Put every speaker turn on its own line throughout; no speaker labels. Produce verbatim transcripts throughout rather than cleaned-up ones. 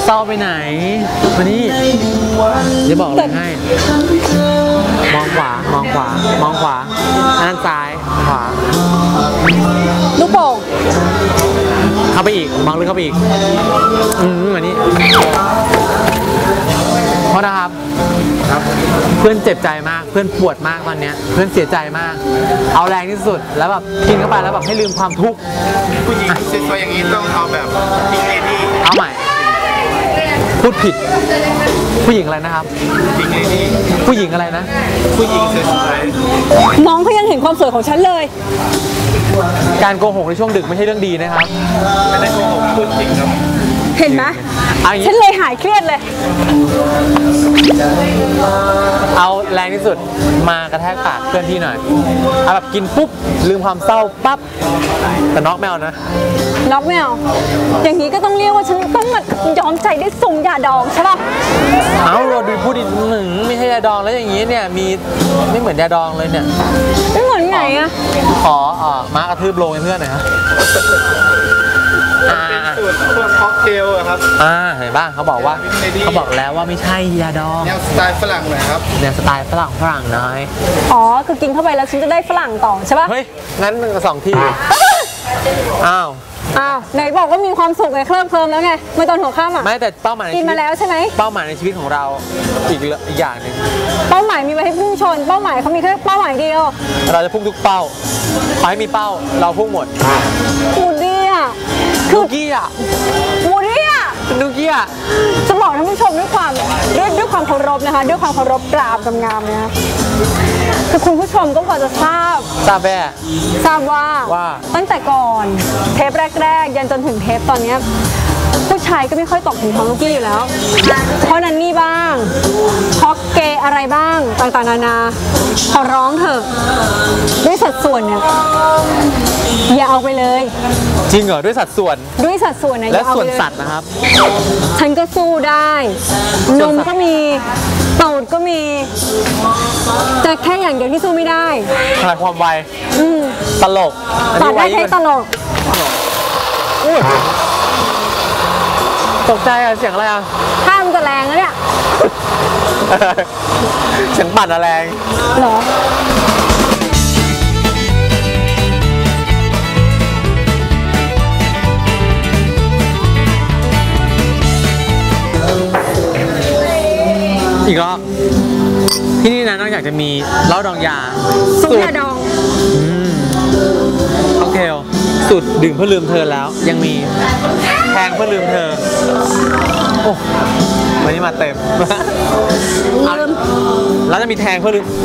เศร้าไปไหนมานี่จะบอกอะไรให้มองขวามองขวามองขวาด้านซ้ายขวา
ลูกโป่ง
เข้าไปอีกมองลึกเข้าไปอีกอืมมานี่เพราะนะครับเพื่อนเจ็บใจมากเพื่อนปวดมากตอนนี้เพื่อนเสียใจมากเอาแรงที่สุดแล้วแบบกินเข้าไปแล้วแบบให้ลืมความทุกข์
ผู้หญิงสวยๆอย่างนี้ต้องเอาแบบพิงเลดี้
เอาใหม่พูดผิดผู้หญิงอะไรนะครับ
พิงเลดี้
ผู้หญิงอะไรนะ
ผู้หญิงสวย
ๆน้องเขายังเห็นความสวยของฉันเลย
การโกหกในช่วงดึกไม่ใช่เรื่องดีนะครับ
ไม่ได้โกหกพูดจริงครับ
เห็นไหมฉันเลยหายเครียดเลย
เอาแรงที่สุดมากระแทกปากเพื่อนพี่หน่อยเอาแบบกินปุ๊บลืมความเศร้าปั๊บแต่น็อกแมวนะ
น็อกแมวอย่างนี้ก็ต้องเรียกว่าฉันต้องมายอมใจได้ส่งยาดองใช่ป่ะ
เอาเราดูพูดอีกหนึ่งไม่ใช่ยาดองแล้วอย่างนี้เนี่ยมีไม่เหมือนยาดองเลยเนี่ย
ไม่เหมือนไงอะ
ขออ่ามากระทืบลงให้เพื่อนหน่อยฮะ
สูตรพวกค็อกเทลอะครับ
อ่าเห็นบ้างเขาบอกว่าเขาบอกแล้วว่าไม่ใช่ยาดอง
แนวสไตล์ฝรั่งหน่อยครับ
แนวสไตล์ฝรั่งฝรั่งน้อย
อ๋อคือกินเข้าไปแล้วฉันจะได้ฝรั่งต่อใช่ป่ะ
เฮ้ยงั้นสองที่อ้าว
อ้าวไหนบอกว่ามีความสุขไงเคลิ้มเคลิ้มแล้วไงเมื่อตอนหัวค่ำอ่ะ
ไม่แต่เป้าหมาย
กินมาแล้วใช่ไหม
เป้าหมายในชีวิตของเราอีกอีกอย่างหนึ่ง
เป้าหมายมีไว้ให้พุ่งชนเป้าหมายเขามีแค่เป้าหมายเดียว
เราจะพุ่งทุกเป้าขอให้มีเป้าเราพุ่งหมด
มูดี้อ่ะ
นูกี้อ่ะ
มูดี้อ่ะ
นูกี้อ่ะ
จะบอกท่านผู้ชมด้วยความด้วยด้วยความเคารพนะคะด้วยความเคารพกราบงามๆนะคะคือคุณผู้ชมก็พอจะทราบ
ทราบแม่
ทราบว่า
ว่า
ตั้งแต่ก่อนเทปแรกๆยันจนถึงเทปตอนนี้ผู้ชายก็ไม่ค่อยตกถึงของลูกกี้อยู่แล้วเพราะนั้นนี่บ้างฮอกเกย์อะไรบ้างต่างๆนานาขอร้องเถอะด้วยสัดส่วนเนี่ยอย่าเอาไปเลย
จริงเหรอด้วยสัดส่วน
ด้วยสัดส่วนเนี่ย
และส่วนสัตว์นะครับ
ฉันก็สู้ได้นมก็มีตูดก็มีแต่แค่อย่างเดียวที่สู้ไม่ได้
ขนาดความไวตลก
ตัดได้แค่ตลก
ตกใจอะเสียงอะไรอะ
ข้ามจะแรงแล้วเนี่ย
เสียงปั่นอะแรง
เหรอ
อีกรอบที่นี่นะนอกจากจะมีเหล้าดองยา
สูตรยาดอง
ค็อกเทลสูตรดื่มเพื่อลืมเธอแล้วยังมีแทงเพื่อลืมเธอโอ้วันนี้มาเต็มแล้วจะมีแทงเพื่อลืม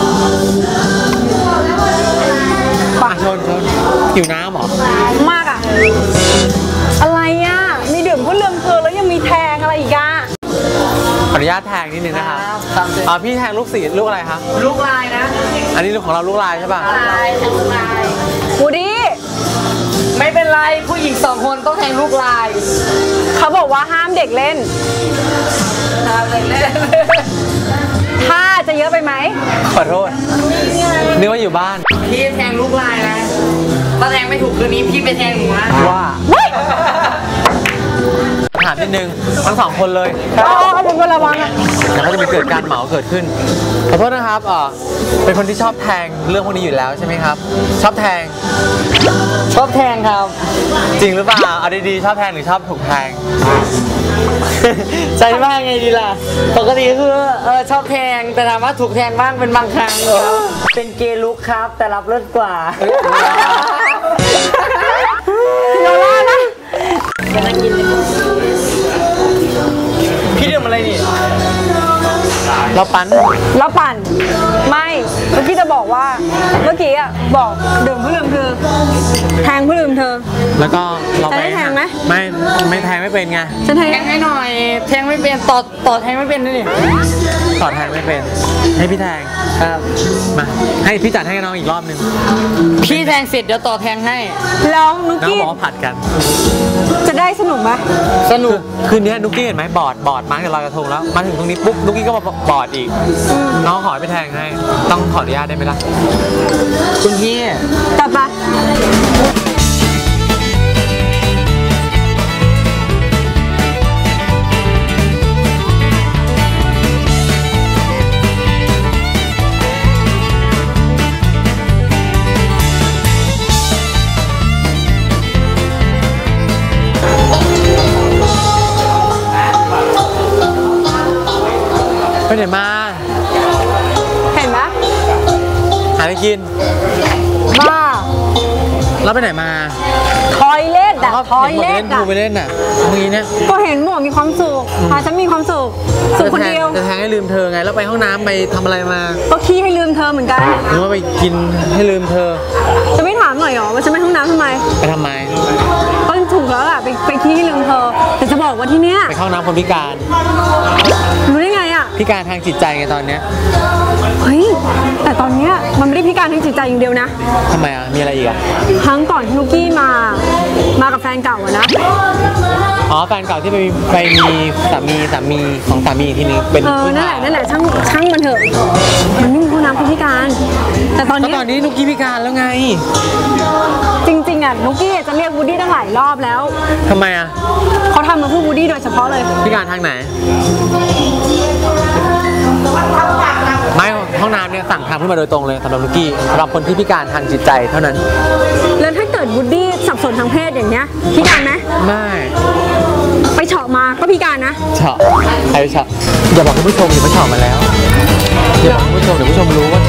ป่าชนชนหิวน้ำหรอ
มากอ่ะอะไรอ่ะมีดื่มเพื่อลืมเธอแล้วยังมีแทงอะไรอีกอ่ะ
ขออนุญาตแทงนิดนึงนะครับอ๋อพี่แทงลูกสีลูกอะไรครับ
ลูกลายนะ
อันนี้ลูกของเราลูกลายใช่ป่ะ
ลายแทงลูกลายกูดิไม่เป็นไรผู้หญิงสองคนต้องแทงลูกลายเขาบอกว่าห้ามเด็กเล่นห้ามเด็กเล่นถ้าจะเยอะไปไหม
ขอโทษนึกว่าอยู่บ้าน
พี่แทงลูกลายนะถ้าแทงไม่ถูกคืนนี้พี่ไปแทงหนูนะ
ว่าถามนิดนึงทั้งสองคนเลย
อ๋อผมก็ระวังอ่ะ
แล้วก็จะมีเกิดการเหมาเกิดขึ้นขอโทษนะครับอ่าเป็นคนที่ชอบแทงเรื่องพวกนี้อยู่แล้วใช่ไหมครับชอบแทง
ชอบแทงครับ
จริงหรือเปล่าเอาดีๆชอบแทงหรือชอบถูกแทง
ใจว่าไงดีล่ะปกติคือเออชอบแทงแต่ถามว่าถูกแทงบ้างเป็นบางครั้งครับเป็นเกย์ลุกครับแต่รับเลิศกว่า
โนล่านะ
จะนั่งกินเลยพี่ดื่มอะไรนี่
เราปั่น
เราปั่นไม่เมื่อกี้จะบอกว่าเมื่อกี้อ่ะบอกดื่มเพื่อลืมเธอแทงเพื่อลืมเธอ
แล้วก็เราไป
แทงไหม
ไม่ไม่แทงไม่เป็นไง
ฉันแทง
ให้หน่อยแทงไม่เป็นต่อต่อแทงไม่เป็นนี่
ต่อแทงไม่เป็นให้พี่แทงครับมาให้พี่จัดให้น้องอีกรอบนึง
พี่แทงเสร็จเดี๋ยวต่อแทงให้
แล้วนุ๊กกี้
น้องบอกผัดกัน
จะได้สนุกไหม
สนุก
คืนนี้นุ๊กกี้เห็นไหมบอร์ดบอร์ดมาร์กจะลอยกระทงแล้วมาถึงตรงนี้ปุ๊บนุ๊กกี้ก็มาบอร์ดอีกน้องขอไปแทงให้ต้องขออนุญาตได้ไหมล่ะ
คุณพี่
จัดไป
กิน
บ้า
แล้วไปไหนมา
ทอยเล็ดอะ
ก็
ทอย
เห็นหมด
เล็
เล่
ด
น
อะ
พูไปเล่นน่ะเมื่อกี้เนี่ย
ก็เห็นหมวกมีความสุขพาฉันมีความสุขสุขคนเดียว
จะแทงให้ลืมเธอไงแล้วไปห้องน้ำไปทำอะไรมา
ก็ขี้ให้ลืมเธอเหมือนกัน
หรือว่าไปกินให้ลืมเธอ
จะไม่ถามหน่อยเหรอว่าฉันไปห้องน้ำทำไม
ไปทำไม
ก็ถูกแล้วอะไปไปขี้ให้ลืมเธอแต่จะบอกว่าที่เนี้ย
ไปเข้าห้องน้ำคนพิการ
รู้ได้ไงอะ
พิการทางจิตใจไงตอนเนี้ย
เฮ้ยแต่ตอนเนี้ยมันไม่ได้พิการทางจิตใจอย่างเดียวนะ
ทำไมอ่ะมีอะไรอีกอ่ะ
ครั้งก่อนที่นุกกี้มามากับแฟนเก่าอะนะ
อ๋อแฟนเก่าที่ไปมีไปมีสามีสามีของสามีอีกทีนึงเป็น
เออ
ผู้
นั่นแห
ชาย
ละนั่นแหละช่างช่างมันเถอะมันไม่มีห้องน้ำคนพิการ แต่ตอน
ก็
เนี้ย
ตอนนี้นุกกี้พิการแล้วไง
จริงๆอะนุกกี้จะเรียกวูดดี้ตั้งหลายรอบแล้ว
ทำไมอ่ะ
เขาทำมาเพื่อวูดดี้โดยเฉพาะเลย
พิการทางไหนไม่ห้องน้ำเนี่ยสั่งทำขึ้นมาโดยตรงเลยสำหรับนุกกี้สำหรับคนที่พิการทางจิตใจเท่านั้น
แล้วถ้าเกิดวูดดี้สับสนทางเพศอย่างเงี้ยพิการไหม
ไม่
ไปเฉาะมาก็พิการนะ
เฉาะใครไปเฉาะอย่าบอกคุณผู้ชมอย่าไปเฉาะมาแล้วอย่าบอกคุณผู้ชมเดี๋ยวผู้ชมรู้ว่า